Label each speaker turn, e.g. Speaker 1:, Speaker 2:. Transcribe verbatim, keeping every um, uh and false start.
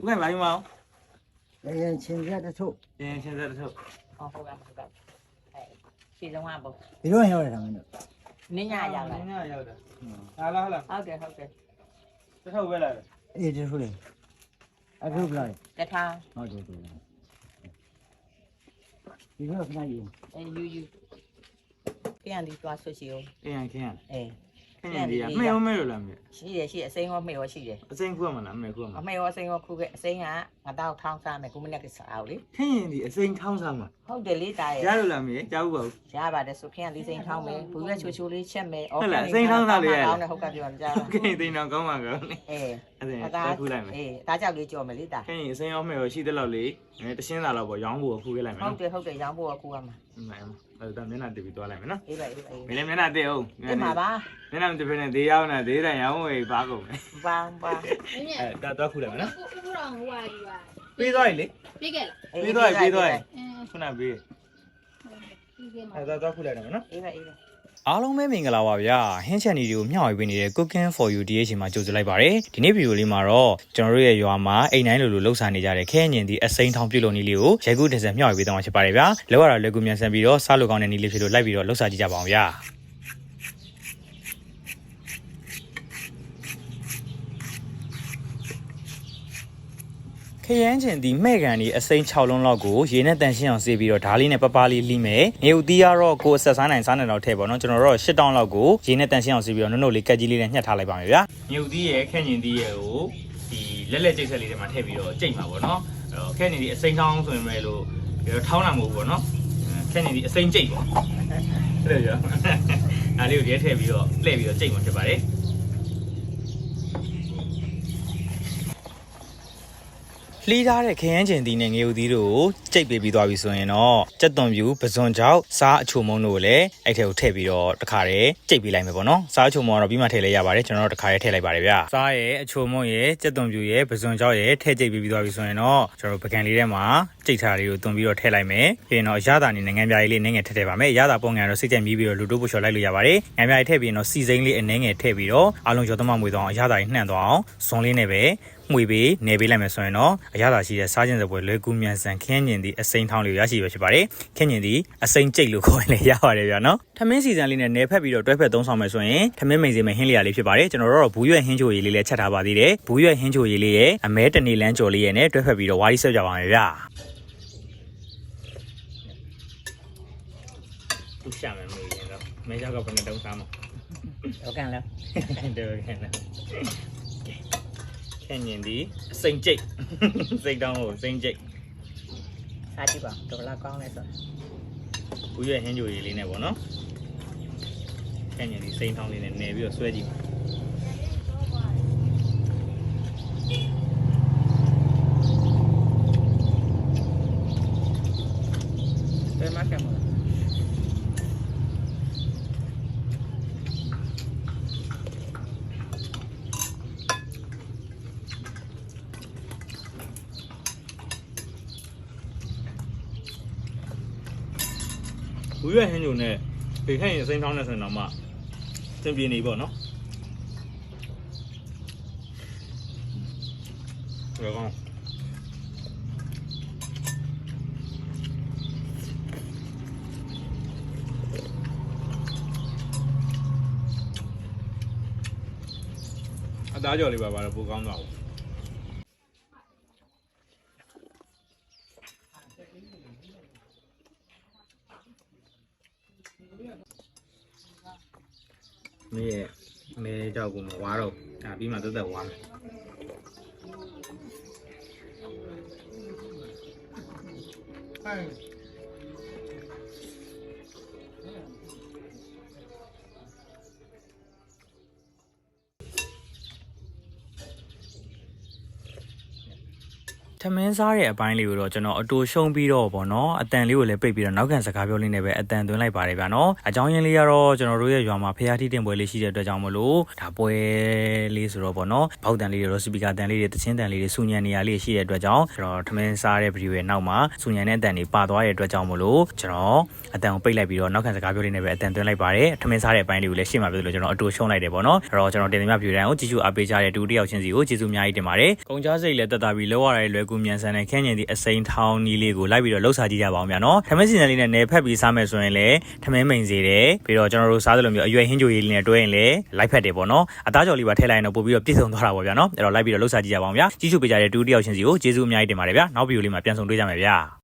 Speaker 1: 不看白毛，
Speaker 2: 哎，现在的臭，
Speaker 1: 嗯，现在的臭，
Speaker 3: 哦，好吧，好吧，哎，其中话不，
Speaker 2: 一种小的他们的，
Speaker 3: 你家要来，
Speaker 1: 人家要的，
Speaker 2: 嗯，
Speaker 1: 好了好了，
Speaker 3: 好的好的，
Speaker 1: 这臭回来了，
Speaker 2: 哎，这出来，哎，这不来，
Speaker 3: 在他，
Speaker 2: 好对对，一个跟他有，
Speaker 3: 哎有有，这样的抓出去哦，
Speaker 1: 哎呀，看了，
Speaker 3: 哎，
Speaker 1: 看见的呀，没有没有了没，
Speaker 3: 是的是的，生活没有是的，
Speaker 1: 真苦嘛了，没苦嘛，
Speaker 3: 没有生活苦的，生啊，我到汤山没，我们那个烧的，
Speaker 1: 看见的真汤上嘛，
Speaker 3: 好的理解。
Speaker 1: 加入了没？加入不？
Speaker 3: 加把的薯片里生汤没，不要求求里切没，
Speaker 1: 好了，生汤那里来了，
Speaker 3: 好感觉人家了。
Speaker 1: 给你听到讲嘛个，
Speaker 3: 哎，
Speaker 1: 哎，再苦来没？
Speaker 3: 哎，大家给叫没理解。
Speaker 1: 看见生要没有，洗得了嘞，哎，这现在了不？养不苦给来没？
Speaker 3: 好的好的，养不苦啊嘛。
Speaker 1: 唔係啊嘛，誒但係嗱特別多嚟咩咯？
Speaker 3: 依個依個。
Speaker 1: 咪你咪嗱啲好，
Speaker 3: 你嘛吧？
Speaker 1: 你嗱特別呢啲有嗱啲人有會把個咩？
Speaker 3: 吧吧。
Speaker 1: 誒，多多苦嚟咩咯？
Speaker 4: 不不讓我đi吧。
Speaker 1: ပေးသွားပြီလေ。
Speaker 4: ပေးခဲ့လား
Speaker 1: ပေးသွားပြီပေးသွားပြီ
Speaker 4: အင်း
Speaker 1: ခုနပေး
Speaker 4: ပေးခဲ့မှာ
Speaker 1: အဲတော့တော့ခုလိုက်တယ်မနော်
Speaker 3: 依個依個。
Speaker 5: အားလုံးပဲမင်္ဂလာပါဗျာဟင်းချက်နီတွေကိုမျှဝေပေးနေတဲ့ Cooking for You ဒီအချိန်မှာကြိုဆိုလိုက်ပါရစေဒီနေ့ဗီဒီယိုလေးမှာတော့ကျွန်တော်တို့ရဲ့ရွာမှာအိမ်တိုင်းလိုလိုလှုပ်ရှားနေကြတဲ့ခဲညင်ဒီအစိမ်းထောင်ပြုတ်လို့နီးလေးကိုရိုက်ကူးတင်ဆက်မျှဝေပေးသွားမှာဖြစ်ပါတယ်ဗျာလောက်ရတာလွယ်ကူမြန်ဆန်ပြီးတော့စားလို့ကောင်းတဲ့နီးလေးဖြစ်လို့လိုက်ပြီးတော့လှုပ်ရှားကြည့်ကြပါအောင်ဗျာခရမ်းချင်ဒီမဲ့ကန်ဒီအစိမ်း၆လုံးလောက်ကိုရေနဲ့တန်ရှင်းအောင်ဆေးပြီးတော့ဓာလေးနဲ့ပပလေးလိမယ်။နေဦးသီးကတော့ကိုယ်အဆက်စားနိုင်စားနိုင်တော့ထည့်ပါတော့ကျွန်တော်တို့၈တောင်းလောက်ကိုရေနဲ့တန်ရှင်းအောင်ဆေးပြီးတော့နုံနုံလေးကက်ကြီးလေးနဲ့ညှက်ထားလိုက်ပါမယ်ဗျာ။မြုပ်သီးရဲ့ခက်ညင်သီးရဲ့ကိုဒီလက်လက်ကျိတ်ဆက်လေးတွေမှာထည့်ပြီးတော့ကျိတ်မှာပေါ့နော်။အဲ့တော့ခက်ညင်ဒီအစိမ်းထောင်းဆိုရင်ပဲလို့ထောင်းတာမဟုတ်ဘူးပေါ့နော်။ခက်ညင်ဒီအစိမ်းကျိတ်ပေါ့။အဲ့လိုရော။ဒါလေးကိုရဲထည့်ပြီးတော့လှည့်ပြီးတော့ကျိတ်မှာဖြစ်ပါတယ်။လှီးထားတဲ့ခရမ်းချင်သီးနဲ့ငရုတ်သီးတို့ကိုကြိတ်ပေးပြီးသွားပြီဆိုရင်တော့ကြက်သွန်ပြူပဇွန်ကြောက်စားအချိုမုံတို့ကိုလည်းအဲ့ထဲကိုထည့်ပြီးတော့တခါတည်းကြိတ်ပေးလိုက်မယ်ပေါ့နော်စားအချိုမုံကတော့ပြီးမှထည့်လိုက်ရပါတယ်ကျွန်တော်တို့တခါတည်းထည့်လိုက်ပါတယ်ဗျာစားရဲ့အချိုမုံရဲ့ကြက်သွန်ပြူရဲ့ပဇွန်ကြောက်ရဲ့ထည့်ကြိတ်ပေးပြီးသွားပြီဆိုရင်တော့ကျွန်တော်တို့ပကံလေးထဲမှာကြိတ်ထားလေးကိုသွန်ပြီးတော့ထည့်လိုက်မယ်ပြီးရင်တော့ရတာနေငန်းပြားလေးနည်းငယ်ထည့်ထည့်ပါမယ်ရတာပုံငယ်တော့စိတ်ကြိုက်မြည်ပြီးတော့လူတို့ပို့ချော်လိုက်လို့ရပါတယ်ငန်းပြားလေးထည့်ပြီးတော့စီစိမ့်လေးအနည်းငယ်ထည့်ပြီးတော့အားလုံးရောသမမွေသွားအောင်ရတာကြီးနှံ့သွားအောင်ဇွန်လေးနဲ့ပဲမှွေပေးနေပေးလိုက်မယ်ဆိုရင်တော့အရသာရှိတဲ့စားခြင်းစပွဲလွယ်ကူမြန်ဆန်ခင်းညင်သည့်အစိမ်းထောင်းလေးကိုရရှိရဖြစ်ပါတယ်ခင်းညင်သည့်အစိမ်းကျိတ်လို့ခေါ်ရင်လည်းရပါတယ်ဗျာနော်ထမင်းစီဇန်လေးနဲ့နယ်ဖက်ပြီးတော့တွဲဖက်သုံးဆောင်မယ်ဆိုရင်ထမင်းမိန်စီမဲ့ဟင်းလျာလေးဖြစ်ပါတယ်ကျွန်တော်တို့တော့ဘူးရွက်ဟင်းချိုရည်လေးလည်းချက်ထားပါသေးတယ်ဘူးရွက်ဟင်းချိုရည်လေးရဲ့အမဲတနေလန်းကြော်လေးရဲ့နဲ့တွဲဖက်ပြီးတော့ဝါးရီဆက်ကြပါမယ်ဗျာသူရှာမယ်မေးရင်တော့မဲကြောက်ကဘယ်နဲ့တုံးစားမလဲ
Speaker 3: ဟုတ်ကဲ့လား
Speaker 5: တယ်ကန်လားခင်းညင်ဒီအစိမ်းကျိတ်စိတ်တောင်းလို့စိမ်းကျိတ်
Speaker 3: စားကြည့်ပါတော်လားကောင်းလဲဆို
Speaker 5: ဘူးရွက်ဟင်းကြိုရည်လေးနဲ့ပေါ့နော်ခင်းညင်ဒီစိမ်းထောင်းလေးနဲ့နယ်ပြီးတော့ဆွဲကြည့်ပါ
Speaker 3: ဘယ်မှာကမလဲ
Speaker 5: ဘူးရွက်ဟင်းကြိုနဲ့ဒီခင်းရင်စိမ်းထောင်းနဲ့ဆိုရင်တော့မှသင်ပြနေပေါ့နော်ဘယ်ကောင်အသားကြော်လေးပါပါတော့ပိုကောင်းသွားဘူးမင်းရဲ့မဲကြောက်ကိုမဝါတော့ဒါပြီးမှသက်သက်ဝါမယ်ထထမင်းစားတဲ့အပိုင်းလေးကိုတော့ကျွန်တော်အတူရှုံးပြီးတော့ပေါ့နော်အတန်လေးကိုလည်းပိတ်ပြီးတော့နောက်ကန်စကားပြောလေးနဲ့ပဲအတန်သွင်းလိုက်ပါတယ်ဗျာနော်အကြောင်းရင်းလေးကတော့ကျွန်တော်တို့ရဲ့ရွာမှာဖျားထီးတင်ပွဲလေးရှိတဲ့အတွက်ကြောင့်မလို့ဒါပွဲလေးဆိုတော့ပေါ့နော်ဘောက်တန်လေးတွေရောစပီကာတန်လေးတွေတချင်းတန်လေးတွေစူညံနေရလေးရှိတဲ့အတွက်ကြောင့်ကျွန်တော်ထမင်းစားတဲ့ဗီဒီယိုရဲ့နောက်မှာစူညံတဲ့အတန်တွေပါသွားတဲ့အတွက်ကြောင့်မလို့ကျွန်တော်အတန်ကိုပိတ်လိုက်ပြီးတော့နောက်ကန်စကားပြောလေးနဲ့ပဲအတန်သွင်းလိုက်ပါတယ်ထမင်းစားတဲ့အပိုင်းလေးကိုလည်းရှေ့မှာပြောလို့ကျွန်တော်အတူရှုံးလိုက်တယ်ပေါ့နော်အဲ့တော့ကျွန်တော်တင်ပြဗီဒီယိုတိုင်းကိုကြည့်ရှုအားပေးကြတဲ့တူတယောက်ချင်းစီကိုကျေးဇူးအများကြီးတင်ပါတယ်ကုန်ကြစိတ်လည်းတက်တာပြီးလောက်ရတဲ့လွယ်ကူမြန်ဆန်တဲ့ခင်းကျင်သည့်အစိမ်းထောင်းနီးလေးကိုလိုက်ပြီးတော့လှုပ်ရှားကြည့်ကြပါအောင်ဗျာနော်ထမင်းစီစဉ်လေးနဲ့နယ်ဖက်ပြီးစားမယ်ဆိုရင်လည်းထမင်းမိန်စေတယ်ပြီးတော့ကျွန်တော်တို့စားသလိုမျိုးအရွယ်ဟင်းကြိုရည်လေးနဲ့တွဲရင်လည်းလိုက်ဖက်တယ်ပေါ့နော်အသားကြော်လေးပါထည့်လိုက်ရင်တော့ပို့ပြီးတော့ပြည့်စုံသွားတာပေါ့ဗျာနော်အဲ့တော့လိုက်ပြီးတော့လှုပ်ရှားကြည့်ကြပါအောင်ဗျာကြည့်ရှုပေးကြတဲ့တူတယောက်ချင်းစီကိုကျေးဇူးအများကြီးတင်ပါတယ်ဗျာနောက်ဗီဒီယိုလေးမှာပြန်ဆုံတွေ့ကြမယ်ဗျာ